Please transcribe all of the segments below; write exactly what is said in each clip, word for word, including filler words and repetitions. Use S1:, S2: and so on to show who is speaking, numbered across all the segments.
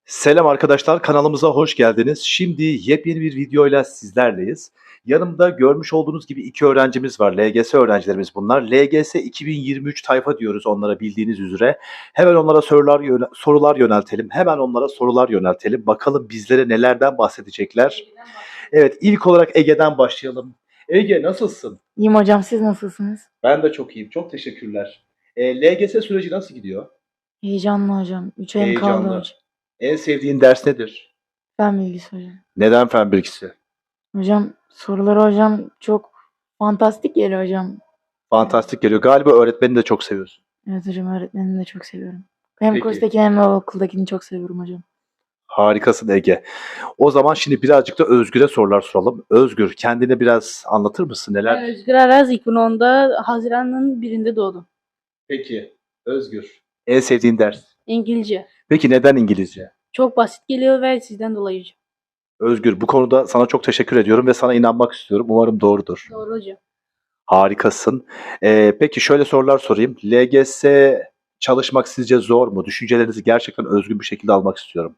S1: Selam arkadaşlar, kanalımıza hoş geldiniz. Şimdi yepyeni bir videoyla sizlerleyiz. Yanımda görmüş olduğunuz gibi iki öğrencimiz var. L G S öğrencilerimiz bunlar. L G S iki bin yirmi üç tayfa diyoruz onlara bildiğiniz üzere. Hemen onlara sorular yöne- sorular yöneltelim. Hemen onlara sorular yöneltelim. Bakalım bizlere nelerden bahsedecekler. Evet, ilk olarak Ege'den başlayalım. Ege nasılsın?
S2: İyiyim hocam, siz nasılsınız?
S1: Ben de çok iyiyim. Çok teşekkürler. E, L G S süreci nasıl gidiyor?
S2: Heyecanlı hocam. Üç ayım kaldı
S1: Heyecanlı.
S2: hocam.
S1: En sevdiğin ders nedir?
S2: Fen bilgisi hocam.
S1: Neden fen bilgisi?
S2: Hocam soruları hocam çok fantastik geliyor hocam.
S1: Fantastik geliyor. Galiba öğretmeni de çok seviyorsun.
S2: Evet hocam, öğretmenimi de çok seviyorum. Hem
S1: Peki.
S2: kurstakini hem de okuldakini çok seviyorum hocam.
S1: Harikasın Ege. O zaman şimdi birazcık da Özgür'e sorular soralım. Özgür, kendini biraz anlatır mısın?
S3: Ben
S1: Neler?
S3: Özgür Araz iki bin onda Haziran'ın birinde doğdum.
S1: Peki. Özgür. En sevdiğin ders?
S3: İngilizce.
S1: Peki neden İngilizce?
S3: Çok basit geliyor ve sizden dolayı hocam.
S1: Özgür, bu konuda sana çok teşekkür ediyorum ve sana inanmak istiyorum. Umarım doğrudur.
S3: Doğru hocam.
S1: Harikasın. Ee, peki şöyle sorular sorayım. L G S çalışmak sizce zor mu? Düşüncelerinizi gerçekten özgün bir şekilde almak istiyorum.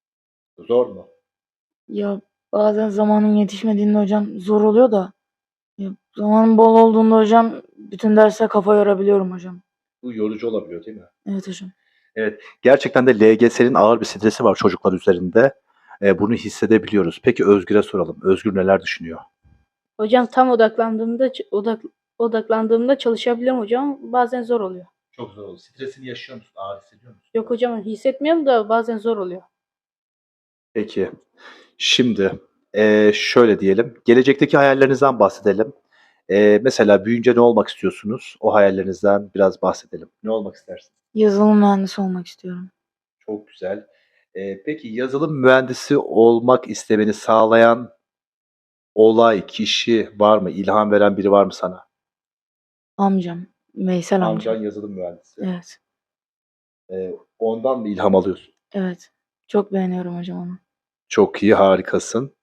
S1: Zor mu?
S2: Ya bazen zamanın yetişmediğinde hocam zor oluyor da ya, zamanın bol olduğunda hocam bütün derse kafa yorabiliyorum hocam.
S1: Bu yorucu olabiliyor değil mi?
S2: Evet hocam.
S1: Evet, gerçekten de L G S'nin ağır bir stresi var çocuklar üzerinde. Eee, bunu hissedebiliyoruz. Peki Özgür'e soralım. Özgür neler düşünüyor?
S3: Hocam tam odaklandığımda ç- odak odaklandığımda çalışabiliyorum hocam. Bazen zor oluyor.
S1: Çok zor oldu. Stresini yaşıyor musun? Ağır hissediyor musun?
S3: Yok hocam, hissetmiyorum da bazen zor oluyor.
S1: Peki. Şimdi eee, şöyle diyelim. Gelecekteki hayallerinizden bahsedelim. Eee, mesela büyüyünce ne olmak istiyorsunuz? O hayallerinizden biraz bahsedelim. Ne olmak istersin?
S2: Yazılım mühendisi olmak istiyorum.
S1: Çok güzel. Eee, peki yazılım mühendisi olmak istemeni sağlayan olay, kişi var mı? İlham veren biri var mı sana?
S2: Amcam. Veysel amcam.
S1: Amcan yazılım mühendisi.
S2: Evet.
S1: Eee, ondan mı ilham alıyorsun?
S2: Evet. Çok beğeniyorum hocam onu.
S1: Çok iyi, harikasın.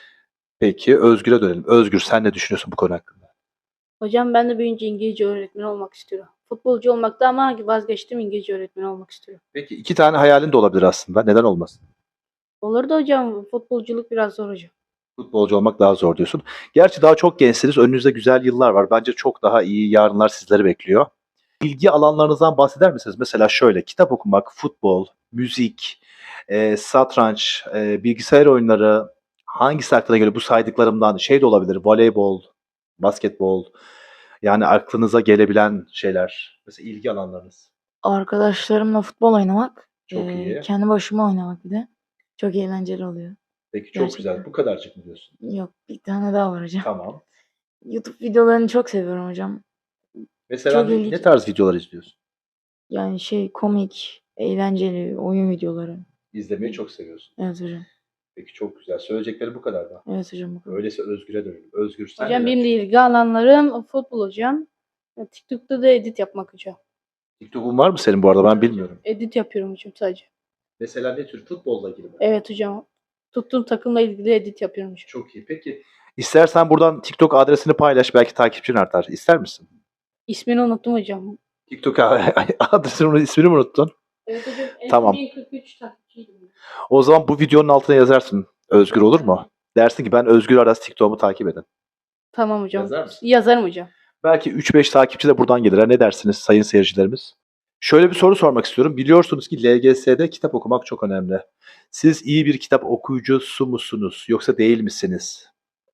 S1: Peki Özgür'e dönelim. Özgür sen ne düşünüyorsun bu konu hakkında?
S3: Hocam ben de büyüyünce İngilizce öğretmeni olmak istiyorum. Futbolcu olmakta ama vazgeçtim, İngilizce öğretmeni olmak istiyorum.
S1: Peki iki tane hayalin de olabilir aslında. Neden olmasın?
S3: Olur da hocam, futbolculuk biraz zor hocam.
S1: Futbolcu olmak daha zor diyorsun. Gerçi daha çok gençsiniz. Önünüzde güzel yıllar var. Bence çok daha iyi yarınlar sizleri bekliyor. İlgi alanlarınızdan bahseder misiniz? Mesela şöyle kitap okumak, futbol, müzik, eee, satranç, eee, bilgisayar oyunları hangisi aklına geliyor? Bu saydıklarımdan şey de olabilir. Voleybol, basketbol. Yani aklınıza gelebilen şeyler. Mesela ilgi alanlarınız.
S2: Arkadaşlarımla futbol oynamak,
S1: Çok
S2: eee,
S1: iyi.
S2: kendi başıma oynamak bir de çok eğlenceli oluyor.
S1: Peki çok güzel.
S2: Gerçekten.
S1: Bu kadarcık mı diyorsun?
S2: Yok, bir tane daha var hocam.
S1: Tamam.
S2: YouTube videolarını çok seviyorum hocam.
S1: Mesela
S2: Çok
S1: ne,
S2: ilginç.
S1: ne tarz videolar izliyorsun?
S2: Yani şey komik, eğlenceli oyun videoları.
S1: İzlemeyi çok seviyorsun.
S2: Evet hocam.
S1: Peki çok güzel. Söyleyecekleri bu kadar mı?
S2: Evet hocam. Bu kadar.
S1: Öyleyse Özgür'e dönelim. Özgür sen
S3: Hocam
S1: neler
S3: benim de
S1: düşünüyorsun?
S3: ilgi alanlarım futbol hocam. TikTok'ta da edit yapmak hocam.
S1: TikTok'un var mı senin bu arada? Ben bilmiyorum.
S3: Edit yapıyorum hocam sadece.
S1: Mesela ne tür? Futbolla ilgili mi?
S3: Evet hocam. Tuttuğum takımla ilgili edit yapıyorum hocam.
S1: Çok iyi. Peki istersen buradan TikTok adresini paylaş. Belki takipçin artar. İster misin?
S3: İsmini unuttum hocam.
S1: TikTok adresinin ismini mi unuttun?
S3: Evet hocam. En
S1: Tamam.
S3: bin kırk üç takipçiydim.
S1: O zaman bu videonun altına yazarsın. Özgür olur mu? Dersin ki ben Özgür Aras TikTok'umu takip edin.
S3: Tamam hocam.
S1: Yazar mısın?
S3: Yazarım hocam.
S1: Belki üç beş takipçi de buradan gelir. Ha, ne dersiniz sayın seyircilerimiz? Şöyle bir soru sormak istiyorum. Biliyorsunuz ki L G S'de kitap okumak çok önemli. Siz iyi bir kitap okuyucusu musunuz yoksa değil misiniz?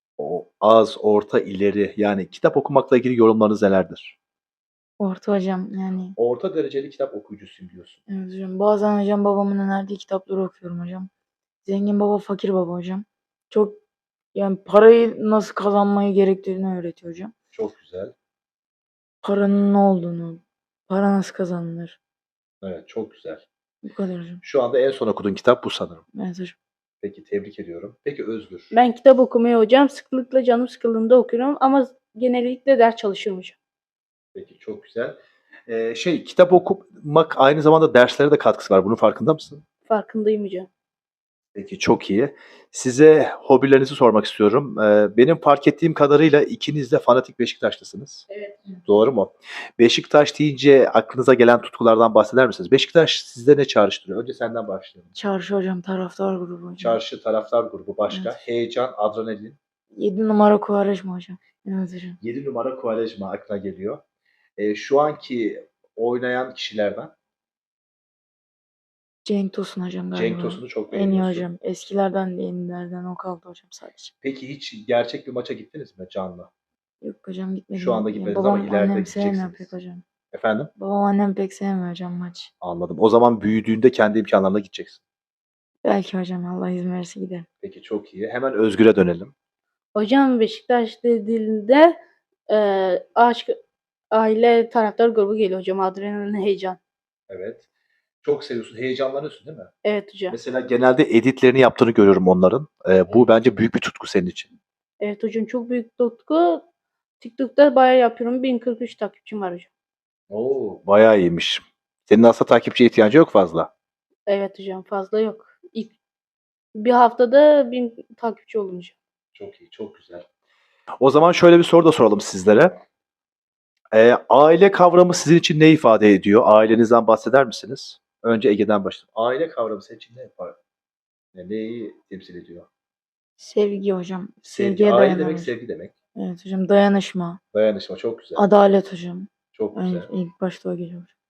S1: O az, orta, ileri yani kitap okumakla ilgili yorumlarınız nelerdir?
S2: Orta hocam yani.
S1: Orta dereceli kitap okuyucusuyum diyorsun.
S2: Evet hocam. Bazen hocam babamın önerdiği kitapları okuyorum hocam. Zengin baba fakir baba hocam. Çok yani parayı nasıl kazanmayı gerektiğini öğretiyor hocam.
S1: Çok güzel.
S2: Paranın ne olduğunu, para nasıl kazanılır.
S1: Evet, çok güzel.
S2: Bu kadar hocam.
S1: Şu anda en son okuduğun kitap bu sanırım.
S2: Evet hocam.
S1: Peki tebrik ediyorum. Peki Özgür.
S3: Ben kitap okumayı hocam sıklıkla canım sıkıldığında okuyorum ama genellikle ders çalışıyorum hocam.
S1: Peki çok güzel. Ee, şey kitap okumak aynı zamanda derslere de katkısı var. Bunun farkında mısın?
S3: Farkındayım hocam.
S1: Peki çok iyi. Size hobilerinizi sormak istiyorum. Ee, benim fark ettiğim kadarıyla ikiniz de fanatik Beşiktaşlısınız.
S3: Evet.
S1: Doğru mu? Beşiktaş deyince aklınıza gelen tutkulardan bahseder misiniz? Beşiktaş sizde ne çağrıştırıyor? Önce senden başlayalım.
S2: Çarşı hocam, taraftar grubu hocam.
S1: Çarşı, taraftar grubu başka.
S2: Evet.
S1: Heyecan, adrenalin.
S2: yedi numara Quaresma hocam. Evet hocam.
S1: yedi numara Quaresma aklına geliyor. Ee, şu anki oynayan kişilerden
S2: Cenk Tosun hocam galiba.
S1: Cenk Tosun'u çok
S2: En iyi
S1: beğeniyorsun.
S2: hocam. Eskilerden de yenilerden o kaldı hocam sadece.
S1: Peki hiç gerçek bir maça gittiniz mi canlı?
S2: Yok hocam gitmedim.
S1: Şu anda
S2: Yani
S1: gitmediniz ama
S2: babam
S1: ileride
S2: annem sevmiyor
S1: gideceksiniz.
S2: pek hocam.
S1: Efendim?
S2: Babam annem pek sevmiyor hocam maç.
S1: Anladım. O zaman büyüdüğünde kendi imkanlarına gideceksin.
S2: Belki hocam Allah izin verirse giderim.
S1: Peki çok iyi. Hemen Özgür'e dönelim.
S3: Hocam Beşiktaş dediğinde e, aşk, aile, taraftar grubu geliyor hocam. Adrenalin, heyecan.
S1: Evet. Çok seviyorsun. Heyecanlanıyorsun değil mi?
S3: Evet hocam.
S1: Mesela genelde editlerini yaptığını görüyorum onların. Ee, bu bence büyük bir tutku senin için.
S3: Evet hocam, çok büyük tutku. TikTok'ta bayağı yapıyorum. bin kırk üç takipçim var hocam.
S1: Oo, bayağı iyiymiş. Senin aslında takipçiye ihtiyacı yok fazla.
S3: Evet hocam, fazla yok. İlk bir haftada bin takipçi olunca.
S1: Çok iyi, çok güzel. O zaman şöyle bir soru da soralım sizlere. Ee, aile kavramı sizin için ne ifade ediyor? Ailenizden bahseder misiniz? Önce Ege'den başlayalım. Aile kavramı senin için ne yapar? Yani neyi temsil ediyor?
S2: Sevgi hocam.
S1: Sevgi.
S2: Sevgiye
S1: Aile
S2: dayanan
S1: demek
S2: hocam.
S1: sevgi demek.
S2: Evet hocam. Dayanışma.
S1: Dayanışma çok güzel.
S2: Adalet hocam.
S1: Çok
S2: Evet,
S1: güzel.
S2: ilk başta o geliyor hocam.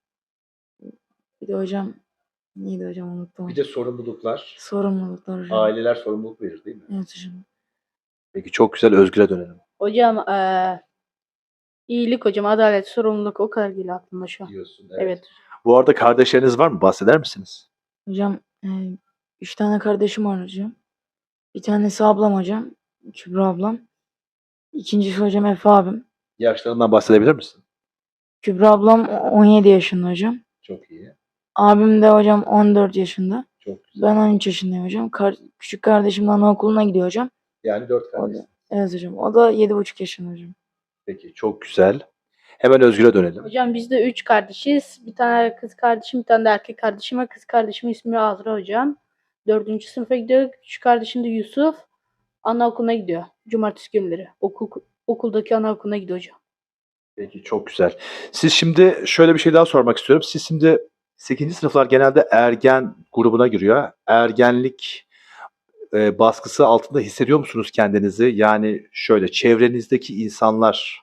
S2: Bir de hocam neydi hocam unuttum.
S1: Bir de sorumluluklar.
S2: Sorumluluklar hocam.
S1: Aileler sorumluluk verir değil mi?
S2: Evet hocam.
S1: Peki çok güzel. Özgür'e dönelim.
S3: Hocam eee iyilik hocam, adalet, sorumluluk, o kadar geliyor aklıma şu an.
S1: Diyorsun.
S3: Evet.
S1: Bu arada kardeşleriniz var mı? Bahseder misiniz?
S2: Hocam e, üç tane kardeşim var hocam. Bir tanesi ablam hocam. Kübra ablam. İkincisi hocam Efe abim.
S1: Yaşlarından bahsedebilir misin?
S2: Kübra ablam on yedi yaşında hocam.
S1: Çok iyi.
S2: Abim de hocam on dört yaşında.
S1: Çok güzel.
S2: Ben on üç yaşındayım hocam. Kar- küçük kardeşim de anaokuluna gidiyor hocam.
S1: Yani dört
S2: O
S1: kardeş.
S2: da, evet hocam. O da yedi buçuk yaşında hocam.
S1: Peki çok güzel. Hemen Özgür'e dönelim.
S3: Hocam biz de üç kardeşiz. Bir tane kız kardeşim, bir tane de erkek kardeşim var. Kız kardeşimin ismi Azra hocam. Dördüncü sınıfa gidiyor. Küçük kardeşim de Yusuf. Anaokuluna gidiyor. Cumartesi günleri. Okul, okuldaki anaokuluna gidiyor hocam.
S1: Peki çok güzel. Siz şimdi şöyle bir şey daha sormak istiyorum. Siz şimdi sekizinci sınıflar genelde ergen grubuna giriyor. Ergenlik e, baskısı altında hissediyor musunuz kendinizi? Yani şöyle çevrenizdeki insanlar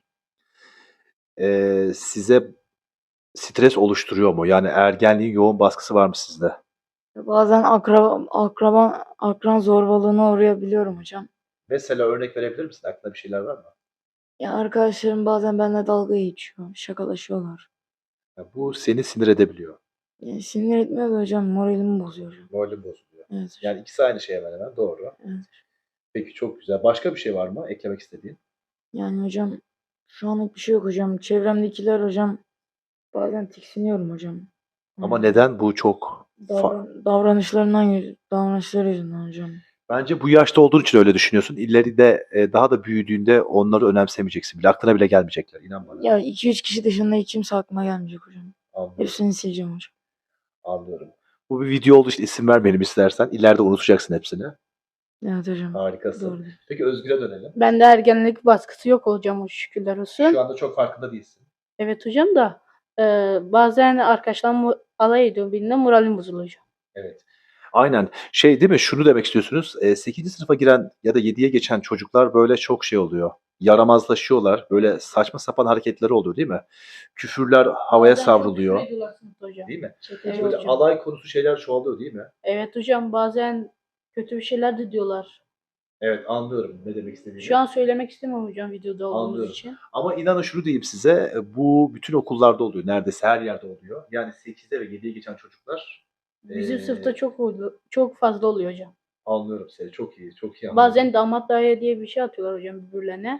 S1: e, size stres oluşturuyor mu? Yani ergenliğin yoğun baskısı var mı sizde?
S2: Bazen akraba, akraba, akran zorbalığına uğrayabiliyorum hocam.
S1: Mesela örnek verebilir misin? Aklında bir şeyler var mı?
S2: Ya arkadaşlarım bazen benimle dalga geçiyor. Şakalaşıyorlar.
S1: Ya bu seni sinir edebiliyor.
S2: Ya sinir etmiyor da hocam moralimi bozuyor hocam.
S1: Moralin bozuluyor.
S2: Evet hocam.
S1: Yani ikisi aynı şey hemen hemen. Doğru.
S2: Evet.
S1: Peki çok güzel. Başka bir şey var mı eklemek istediğin?
S2: Yani hocam şu anlık bir şey yok hocam. Çevremdekiler hocam bazen tiksiniyorum hocam.
S1: Ama
S2: Hmm.
S1: neden? Bu çok fa-
S2: Davran- davranışlarından yüz- davranışları yüzünden hocam.
S1: Bence bu yaşta olduğun için öyle düşünüyorsun. İleride e, daha da büyüdüğünde onları önemsemeyeceksin bile. Aklına bile gelmeyecekler. İnan bana.
S2: Ya iki üç kişi dışında hiç kimse aklıma gelmeyecek hocam.
S1: Anlıyorum.
S2: Hepsini sileceğim hocam.
S1: Anlıyorum. Bu bir video olduğu için isim vermeyelim istersen. İleride unutacaksın hepsini.
S2: Evet hocam.
S1: Harikasın.
S2: Doğru.
S1: Peki Özgür'e dönelim.
S3: Bende ergenlik baskısı yok hocam, o şükürler olsun.
S1: Şu anda çok farkında değilsin.
S3: Evet hocam da e, bazen arkadaşlarım mu- alay ediyor benimle, moralim bozuluyor hocam.
S1: Evet. Aynen. Şey değil mi? Şunu demek istiyorsunuz. E, sekizinci sınıfa giren ya da yediye geçen çocuklar böyle çok şey oluyor. Yaramazlaşıyorlar. Böyle saçma sapan hareketleri oluyor değil mi? Küfürler havaya
S3: Bazen çok
S1: savruluyor.
S3: küfür ediyorlar sınıfta hocam.
S1: Değil mi?
S3: Çeteci
S1: Böyle
S3: hocam.
S1: alay konusu şeyler çoğalıyor değil mi?
S3: Evet hocam, bazen kötü bir şeyler de diyorlar.
S1: Evet anlıyorum ne demek istediğini.
S3: Şu an söylemek istemiyorum hocam videoda olduğumuz
S1: Anlıyorum.
S3: için.
S1: Ama inanın şunu diyeyim size, bu bütün okullarda oluyor. Neredeyse her yerde oluyor. Yani sekizde ve yediye geçen çocuklar
S3: Bizim
S1: Ee,
S3: sınıfta çok oluyor- çok fazla oluyor hocam.
S1: anlıyorum seni. Çok iyi, çok iyi anlıyorum.
S3: Bazen damat dayı diye bir şey atıyorlar hocam birbirlerine.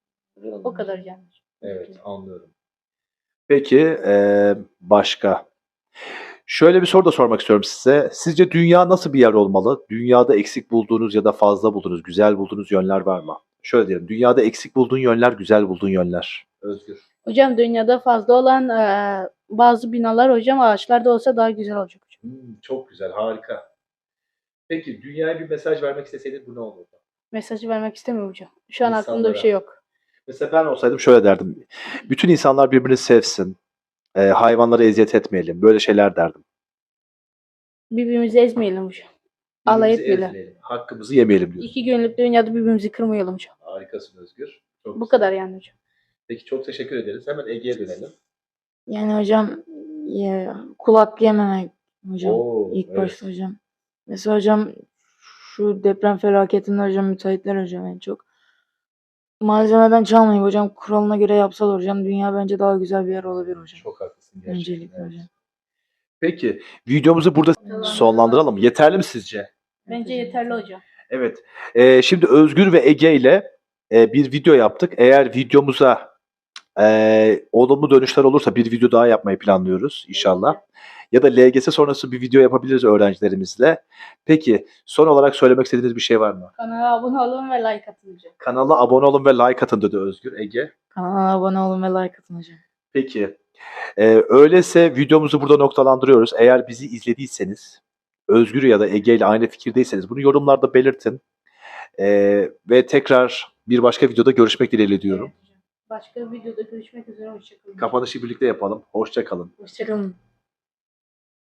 S3: O kadar yani.
S1: Evet, anlıyorum. Peki, eee, başka? Şöyle bir soru da sormak istiyorum size. Sizce dünya nasıl bir yer olmalı? Dünyada eksik bulduğunuz ya da fazla bulduğunuz, güzel bulduğunuz yönler var mı? Şöyle diyelim, dünyada eksik bulduğun yönler, güzel bulduğun yönler. Özgür.
S3: Hocam dünyada fazla olan eee, bazı binalar hocam ağaçlar da olsa daha güzel olacak hocam.
S1: Hmm, çok güzel, harika. Peki dünyaya bir mesaj vermek isteseydin bu ne olurdu?
S3: Mesajı vermek istemiyorum hocam. Şu an aklımda bir
S1: İnsanlara.
S3: şey yok.
S1: Mesela ben olsaydım şöyle derdim. Bütün insanlar birbirini sevsin. E, hayvanlara eziyet etmeyelim. Böyle şeyler derdim.
S3: Birbirimizi ezmeyelim hocam. Alay
S1: Birbirimizi
S3: etmeyelim.
S1: ezmeyelim. Hakkımızı yemeyelim diyorsun.
S3: İki günlük dünyada birbirimizi kırmayalım hocam.
S1: Harikasın Özgür. Çok
S3: Bu
S1: güzel.
S3: kadar yani hocam.
S1: Peki çok teşekkür ederiz. Hemen Ege'ye dönelim.
S2: Yani hocam ya, kul hakkı yememek hocam.
S1: Oo,
S2: İlk
S1: evet.
S2: başta hocam. Mesela hocam şu deprem felaketinde hocam müteahhitler hocam en çok. Malzemeden çalmayıp hocam kuralına göre yapsalar hocam dünya bence daha güzel bir yer olabilir hocam.
S1: Çok haklısın gerçekten.
S2: Öncelikle
S1: evet.
S2: hocam.
S1: Peki videomuzu burada sonlandıralım. Yeterli mi sizce?
S3: Bence yeterli hocam.
S1: Evet. Ee, şimdi Özgür ve Ege ile e, bir video yaptık. Eğer videomuza e, olumlu dönüşler olursa bir video daha yapmayı planlıyoruz inşallah. Ya da L G S sonrası bir video yapabiliriz öğrencilerimizle. Peki son olarak söylemek istediğiniz bir şey var mı?
S3: Kanala abone olun ve like atın hocam.
S1: Kanala abone olun ve like atın dedi Özgür. Ege.
S2: Kanala abone olun ve like atın hocam.
S1: Peki. Ee, öyleyse videomuzu burada noktalandırıyoruz. Eğer bizi izlediyseniz, Özgür ya da Ege ile aynı fikirdeyseniz bunu yorumlarda belirtin. Ee, ve tekrar bir başka videoda görüşmek dileğiyle diyorum.
S3: Evet hocam. Başka bir videoda görüşmek üzere. Hoşçakalın.
S1: Kapanışı birlikte yapalım. Hoşça kalın.
S2: Hoşçakalın.